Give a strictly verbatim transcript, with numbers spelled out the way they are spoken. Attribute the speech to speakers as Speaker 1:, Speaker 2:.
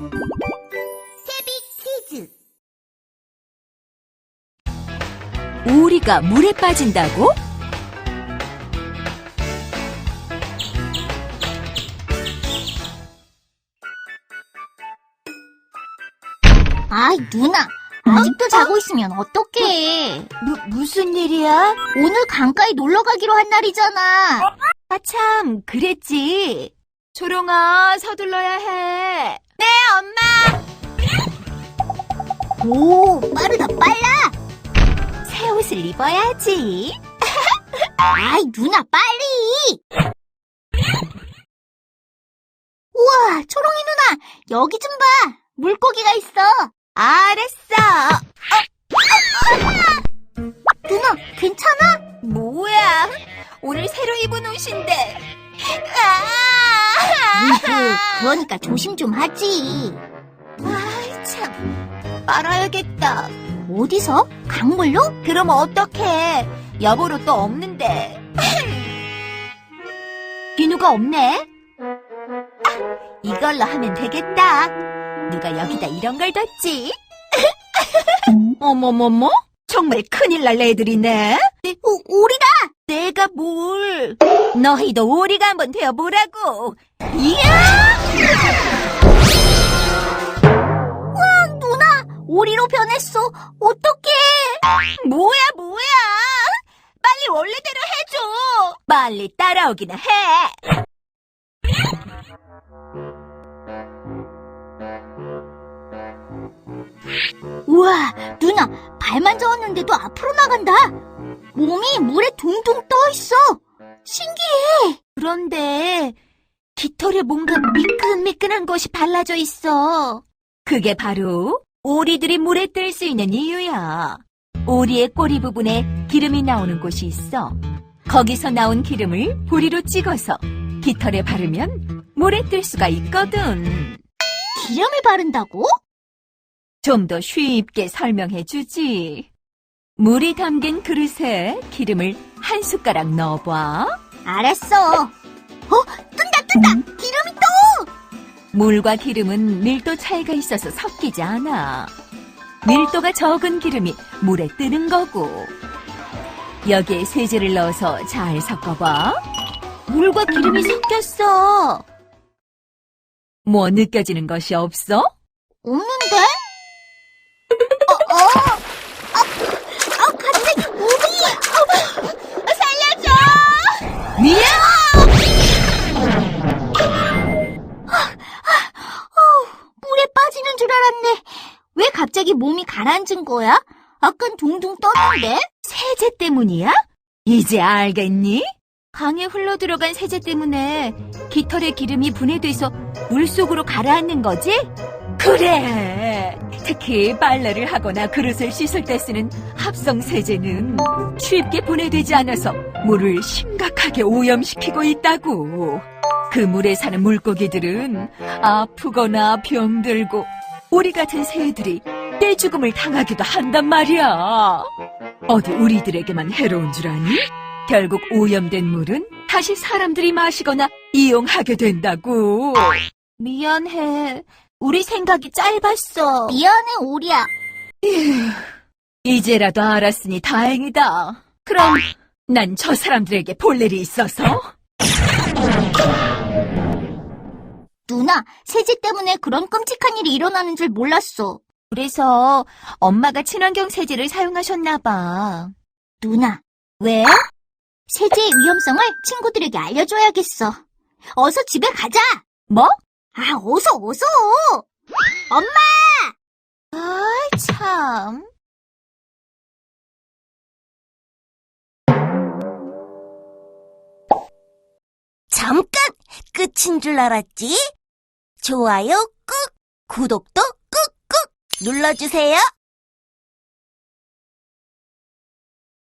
Speaker 1: 태비 퀴즈.
Speaker 2: 오리가 물에 빠진다고?
Speaker 1: 아이, 누나. 아직도 자고 있으면 어떡해.
Speaker 2: 무, 무슨 일이야?
Speaker 1: 오늘 강가에 놀러 가기로 한 날이잖아.
Speaker 2: 아, 참, 그랬지. 초롱아, 서둘러야 해. 네, 엄마!
Speaker 1: 오, 빠르다, 빨라.
Speaker 2: 새 옷을 입어야지.
Speaker 1: 아이, 누나, 빨리. 우와, 초롱이 누나, 여기 좀 봐. 물고기가 있어.
Speaker 2: 알았어.
Speaker 1: 누나, 괜찮아?
Speaker 2: 뭐야? 오늘 새로 입은 옷인데.
Speaker 1: 으흐, 그러니까 조심 좀 하지.
Speaker 2: 아이, 참. 빨아야겠다.
Speaker 1: 어디서? 강물로?
Speaker 2: 그럼 어떡해. 여보로 또 없는데. 비누가 없네. 아, 이걸로 하면 되겠다. 누가 여기다 이런 걸 뒀지? 어머머머? 정말 큰일 날 애들이네.
Speaker 1: 오, 오리다!
Speaker 2: 내가 뭘. 너희도 오리가 한번 되어보라고. 이야!
Speaker 1: 와, 누나, 오리로 변했어. 어떡해?
Speaker 2: 뭐야 뭐야. 빨리 원래대로 해줘. 빨리 따라오기나 해.
Speaker 1: 우와, 누나, 발만 저었는데도 앞으로 나간다. 몸이 물에 둥둥 떠 있어. 신기해.
Speaker 2: 그런데 깃털에 뭔가 미끈미끈한 것이 발라져 있어. 그게 바로 오리들이 물에 뜰 수 있는 이유야. 오리의 꼬리 부분에 기름이 나오는 곳이 있어. 거기서 나온 기름을 보리로 찍어서 깃털에 바르면 물에 뜰 수가 있거든.
Speaker 1: 기름을 바른다고?
Speaker 2: 좀 더 쉽게 설명해 주지. 물이 담긴 그릇에 기름을 한 숟가락 넣어봐.
Speaker 1: 알았어. 어, 뜬다, 뜬다. 기름이 떠.
Speaker 2: 물과 기름은 밀도 차이가 있어서 섞이지 않아. 밀도가 적은 기름이 물에 뜨는 거고. 여기에 세제를 넣어서 잘 섞어봐. 물과 기름이 섞였어. 뭐 느껴지는 것이 없어?
Speaker 1: 없는데? 어, 어. 아, 아, 갑자기 물이. 어, 살려줘.
Speaker 2: 미야!
Speaker 1: 물에 빠지는 줄 알았네. 왜 갑자기 몸이 가라앉은 거야? 아깐 둥둥 떴는데?
Speaker 2: 세제 때문이야? 이제 알겠니? 강에 흘러들어간 세제 때문에 깃털의 기름이 분해돼서 물속으로 가라앉는 거지? 그래! 특히 빨래를 하거나 그릇을 씻을 때 쓰는 합성 세제는 쉽게 분해되지 않아서 물을 심각하게 오염시키고 있다고. 그 물에 사는 물고기들은 아프거나 병들고 오리 같은 새들이 떼죽음을 당하기도 한단 말이야. 어디 우리들에게만 해로운 줄 아니? 결국 오염된 물은 다시 사람들이 마시거나 이용하게 된다고. 미안해. 우리 생각이 짧았어.
Speaker 1: 미안해, 오리야.
Speaker 2: 이제라도 알았으니 다행이다. 그럼 난 저 사람들에게 볼 일이 있어서.
Speaker 1: 누나, 세제 때문에 그런 끔찍한 일이 일어나는 줄 몰랐어.
Speaker 2: 그래서 엄마가 친환경 세제를 사용하셨나 봐.
Speaker 1: 누나,
Speaker 2: 왜?
Speaker 1: 세제의 위험성을 친구들에게 알려줘야겠어. 어서 집에 가자.
Speaker 2: 뭐?
Speaker 1: 아, 어서, 어서. 엄마!
Speaker 2: 아, 참.
Speaker 3: 잠깐! 끝인 줄 알았지? 좋아요 꾹! 구독도 꾹꾹! 눌러주세요.